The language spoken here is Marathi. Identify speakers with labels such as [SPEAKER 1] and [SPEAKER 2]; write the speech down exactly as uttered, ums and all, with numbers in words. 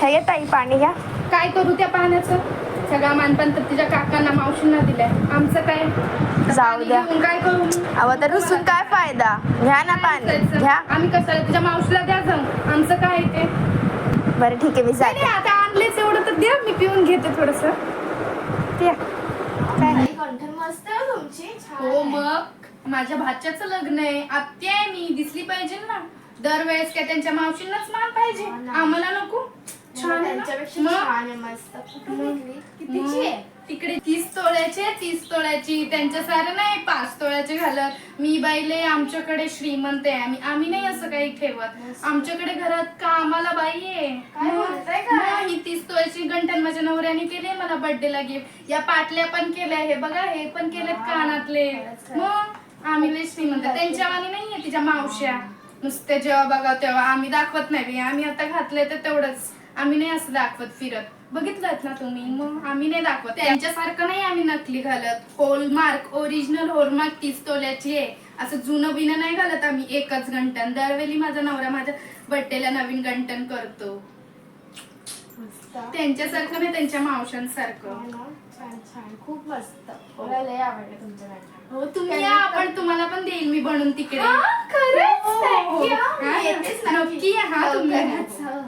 [SPEAKER 1] ह्या ये ताई पाणी घ्या.
[SPEAKER 2] काय करू त्या पाण्याचं? सगळा मानपान तर तिच्या काकांना मावशींना दिलाय. आमचं काय?
[SPEAKER 1] जाऊ द्या.
[SPEAKER 2] काय करू?
[SPEAKER 1] अहो तर रुसून काय फायदा? घ्या ना पाणी घ्या.
[SPEAKER 2] आम्ही कशाला तिच्या मावशीला द्या जाऊ. आमचं काय ते?
[SPEAKER 1] बरं ठीक आहे मी
[SPEAKER 2] नाही
[SPEAKER 1] जाते.
[SPEAKER 2] आता आणलेच एवढं तर द्या, मी पिऊन घेते थोडस.
[SPEAKER 1] मस्त तुमची.
[SPEAKER 2] हो मग माझ्या भाच्याचं लग्न आहे, आत्या आहे मी, दिसली पाहिजे ना. दरवेळेस काय त्यांच्या मावशींनाच मान पाहिजे, आम्हाला नको. छान आहे ना? मग?
[SPEAKER 1] मस्त.
[SPEAKER 2] कितीची आहे? तिकडे तीस तोळ्याचे तीस तोळ्याची. त्यांच्या सारं नाही पाच तोळ्याचे घालत. मी बाईले आमच्याकडे श्रीमंत आहे आम्ही आम्ही नाही असं काही ठेवत. आमच्याकडे घरात कामाला बाई आहे. मग ही तीस तोळ्याची गंठण माझ्या नवऱ्याने केली मला बर्थडेला गिफ्ट. या पाटल्या पण केल्या, हे बघा हे पण केलेत कानातले. मग आम्ही लय श्रीमंत. त्यांच्या वाणी नाहीये तिच्या मावश्या. नुसते जेव्हा बघा तेव्हा आम्ही दाखवत नाही. आम्ही आता घातले तर तेवढंच, आम्ही नाही असं दाखवत फिरत. बघितलं ना तुम्ही? मग आम्ही नाही दाखवत. त्यांच्यासारखं नाही आम्ही नकली घालत. होलमार्क ओरिजिनल होलमार्क तीस तोल्याची आहे. असं जुनं बिनं नाही घालत आम्ही. एकच गंटन. दरवेळी माझा नवरा माझ्या बर्थडेला नवीन गंटन करतो. त्यांच्यासारखं नाही, त्यांच्या मावशांसारखं.
[SPEAKER 1] छान छान खूप मस्त. मला लय आवडलं तुमचं गाणं.
[SPEAKER 2] हो तुम्ही या, आपण तुम्हाला पण देईल मी बनवून तिकडे.
[SPEAKER 1] खरंच?
[SPEAKER 2] हो, हो, हो.
[SPEAKER 1] Thank you.
[SPEAKER 2] हा,
[SPEAKER 1] येतेच
[SPEAKER 2] नक्की या हा तुम्ही.
[SPEAKER 1] लवकरच.